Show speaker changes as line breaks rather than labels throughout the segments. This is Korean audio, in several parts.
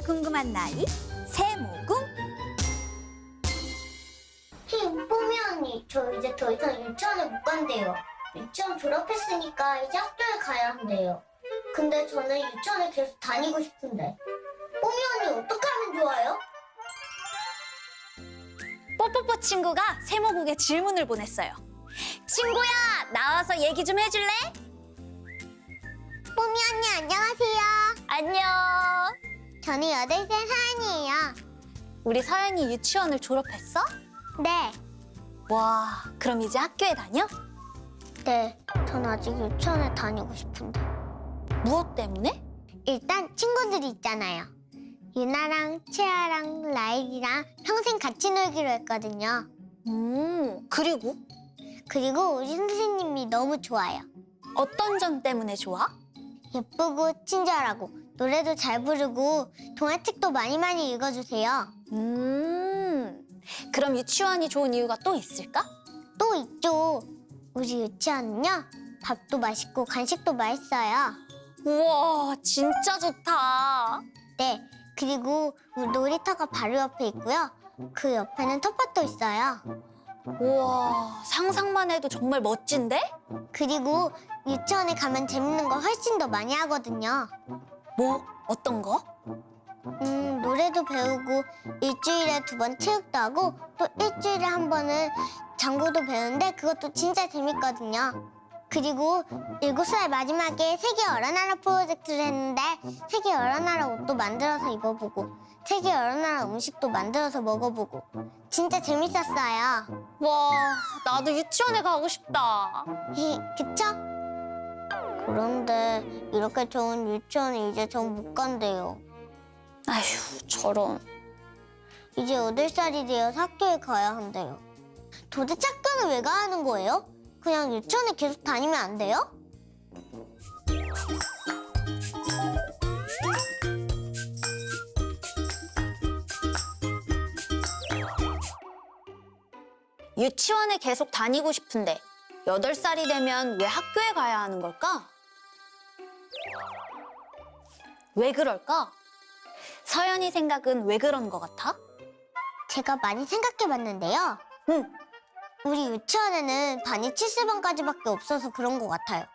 궁금한 나이 세모궁.
뽀미 언니, 저 이제 더 이상 유치원에 못 간대요. 유치원 졸업했으니까 이제 학교에 가야 한대요. 근데 저는 유치원에 계속 다니고 싶은데. 뽀미 언니 어떻게 하면 좋아요?
뽀뽀뽀 친구가 세모궁에 질문을 보냈어요. 친구야, 나와서 얘기 좀 해줄래?
뽀미 언니 안녕하세요.
안녕.
저는 8살 서연이에요.
우리 서연이 유치원을 졸업했어?
네.
와, 그럼 이제 학교에 다녀?
네, 전 아직 유치원에 다니고 싶은데.
무엇 때문에?
일단 친구들이 있잖아요. 유나랑 채아랑 라일이랑 평생 같이 놀기로 했거든요.
그리고
그리고 우리 선생님이 너무 좋아요.
어떤 점 때문에 좋아?
예쁘고 친절하고 노래도 잘 부르고 동화책도 많이 읽어주세요.
그럼 유치원이 좋은 이유가 또 있을까?
또 있죠. 우리 유치원은요. 밥도 맛있고 간식도 맛있어요.
우와, 진짜 좋다.
네. 그리고 우리 놀이터가 바로 옆에 있고요. 그 옆에는 텃밭도 있어요.
우와, 상상만 해도 정말 멋진데?
그리고 유치원에 가면 재밌는 거 훨씬 더 많이 하거든요.
뭐, 어떤 거?
노래도 배우고 일주일에 2번 체육도 하고 또 일주일에 1번은 장구도 배우는데 그것도 진짜 재밌거든요. 그리고 7살 마지막에 세계 여러 나라 프로젝트를 했는데 세계 여러 나라 옷도 만들어서 입어보고 세계 여러 나라 음식도 만들어서 먹어보고 진짜 재밌었어요.
와, 나도 유치원에 가고 싶다.
그쵸? 그런데 이렇게 좋은 유치원에 이제 전 못 간대요.
아휴, 저런.
이제 8살이 되어서 학교에 가야 한대요. 도대체 학교는 왜 가야 하는 거예요? 그냥 유치원에 계속 다니면 안 돼요?
유치원에 계속 다니고 싶은데 8살이 되면 왜 학교에 가야 하는 걸까? 왜 그럴까? 서연이 생각은 왜 그런 것 같아?
제가 많이 생각해봤는데요.
응.
우리 유치원에는 반이 70반까지밖에 없어서 그런 것 같아요.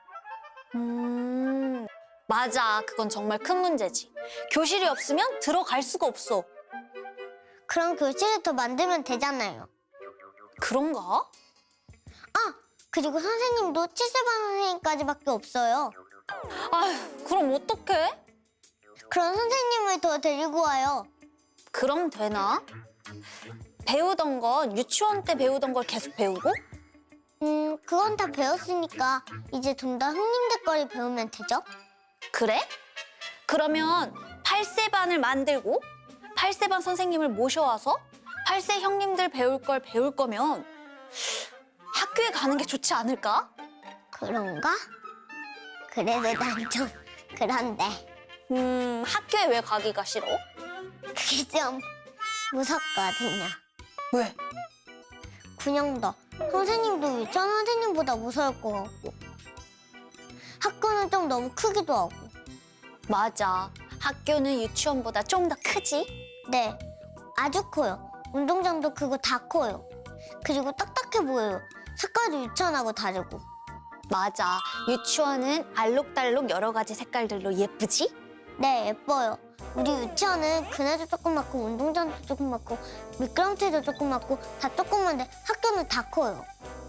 맞아. 그건 정말 큰 문제지. 교실이 없으면 들어갈 수가 없어.
그럼 교실을 더 만들면 되잖아요.
그런가?
아! 그리고 선생님도 70반 선생님까지밖에 없어요.
아휴, 그럼 어떡해?
그런 선생님을 더 데리고 와요.
그럼 되나? 배우던 건 유치원 때 배우던 걸 계속 배우고?
그건 다 배웠으니까 이제 좀 더 흥림될 거리 배우면 되죠?
그래? 그러면 8세반을 만들고 8세반 선생님을 모셔와서 8세 형님들 배울 걸 배울 거면 학교에 가는 게 좋지 않을까?
그런가? 그래도 난 좀 그런데
학교에 왜 가기가 싫어?
그게 좀 무섭거든요.
왜?
그냥 다 선생님도 유치원 선생님보다 무서울 것 같고 학교는 좀 너무 크기도 하고.
맞아. 학교는 유치원보다 좀 더 크지?
네, 아주 커요. 운동장도 크고 다 커요. 그리고 딱딱해 보여요. 색깔도 유치원하고 다르고.
맞아. 유치원은 알록달록 여러 가지 색깔들로 예쁘지?
네, 예뻐요. 우리 유치원은 그네도 조그맣고 운동장도 조그맣고 미끄럼틀도 조그맣고 다 조그만데 학교는 다 커요.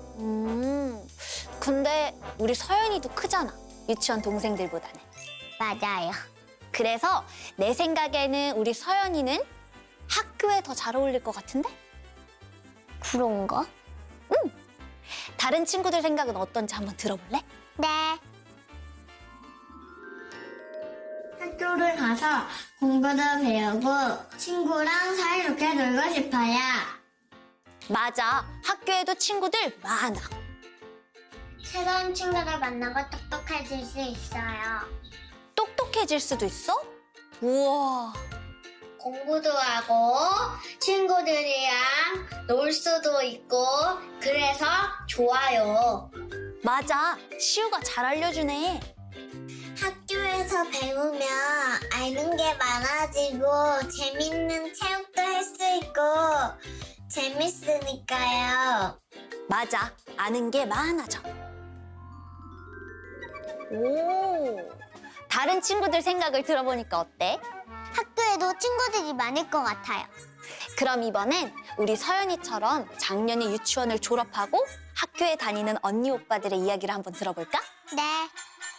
근데 우리 서연이도 크잖아. 유치원 동생들보다는.
맞아요.
그래서 내 생각에는 우리 서연이는 학교에 더 잘 어울릴 것 같은데?
그런가?
다른 친구들 생각은 어떤지 한번 들어볼래?
네.
학교를 가서 공부도 배우고 친구랑 사이좋게 놀고 싶어요.
맞아. 학교에도 친구들 많아.
새로운 친구를 만나고 똑똑해질 수 있어요.
똑똑해질 수도 있어? 우와.
공부도 하고 친구들이랑 놀 수도 있고 그래서 좋아요.
맞아. 시우가 잘 알려주네.
학교에서 배우면 아는 게
게 많아지고 재밌는 체육도 할 수 있고 재밌으니까요.
맞아. 아는 게 많아져. 오. 다른 친구들 생각을 들어보니까 어때?
학교에도 친구들이 많을 것 같아요.
그럼 이번엔 우리 서연이처럼 작년에 유치원을 졸업하고 학교에 다니는 언니 오빠들의 이야기를 한번 들어볼까?
네.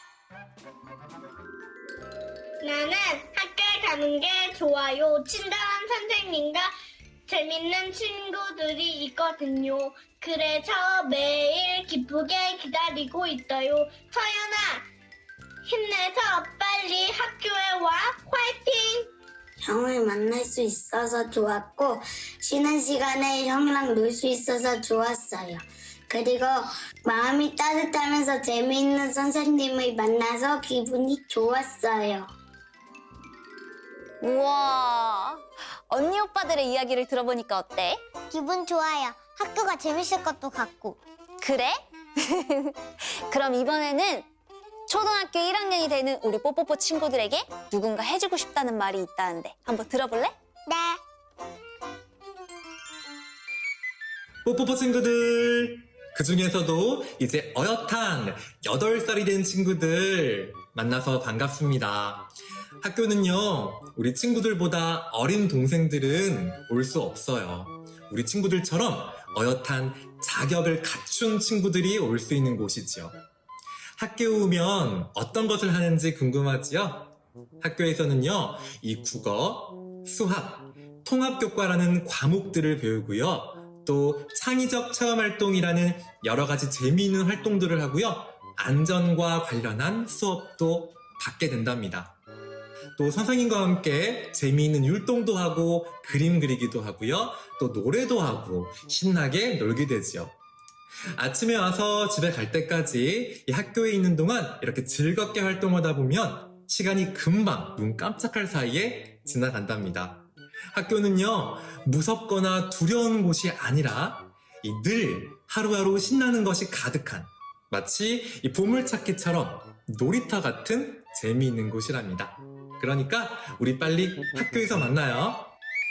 나는 학교에 가는 게 좋아요. 친절한 선생님과 재밌는 친구들이 있거든요. 그래서 매일 기쁘게 기다리고 있어요. 서연아, 힘내서 빨리 학교에 와. 화이팅! 형을 만날 수 있어서 좋았고 쉬는 시간에 형이랑 놀 수 있어서 좋았어요. 그리고 마음이 따뜻하면서 재미있는 선생님을 만나서 기분이 좋았어요.
우와. 언니 오빠들의 이야기를 들어보니까 어때?
기분 좋아요. 학교가 재밌을 것도 같고.
그래? 그럼 이번에는 초등학교 1학년이 되는 우리 뽀뽀뽀 친구들에게 누군가 해주고 싶다는 말이 있다는데 한번 들어볼래?
네.
뽀뽀뽀 친구들! 그 중에서도 이제 어엿한 8살이 된 친구들 만나서 반갑습니다. 학교는요, 우리 친구들보다 어린 동생들은 올 수 없어요. 우리 친구들처럼 어엿한 자격을 갖춘 친구들이 올 수 있는 곳이죠. 학교에 오면 어떤 것을 하는지 궁금하지요? 학교에서는요, 이 국어, 수학, 통합교과라는 과목들을 배우고요. 또 창의적 체험활동이라는 여러 가지 재미있는 활동들을 하고요. 안전과 관련한 수업도 받게 된답니다. 또 선생님과 함께 재미있는 율동도 하고 그림 그리기도 하고요. 또 노래도 하고 신나게 놀게 되죠. 아침에 와서 집에 갈 때까지 이 학교에 있는 동안 이렇게 즐겁게 활동하다 보면 시간이 금방 눈 깜짝할 사이에 지나간답니다. 학교는요, 무섭거나 두려운 곳이 아니라 늘 하루하루 신나는 것이 가득한 마치 이 보물찾기처럼 놀이터 같은 재미있는 곳이랍니다. 그러니까 우리 빨리 학교에서 만나요.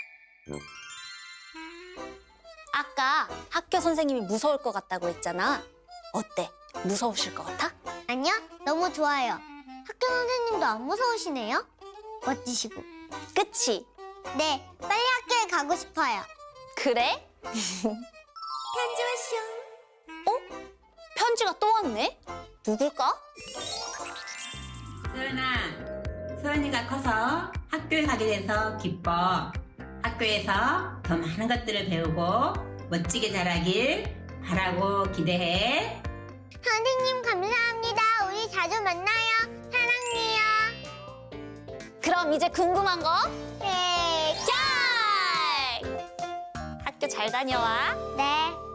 아까 학교 선생님이 무서울 것 같다고 했잖아. 어때? 무서우실 것 같아?
아니요, 너무 좋아요. 학교 선생님도 안 무서우시네요. 멋지시고.
그치?
네, 빨리 학교에 가고 싶어요.
그래?
편지 왔쇼.
편지가 또 왔네? 누굴까?
서연아, 서연이가 커서 학교에 가게 돼서 기뻐. 학교에서 더 많은 것들을 배우고 멋지게 자라길 바라고 기대해.
선생님 감사합니다. 우리 자주 만나요. 사랑해요.
그럼 이제 궁금한 거?
네.
학교 잘 다녀와.
네.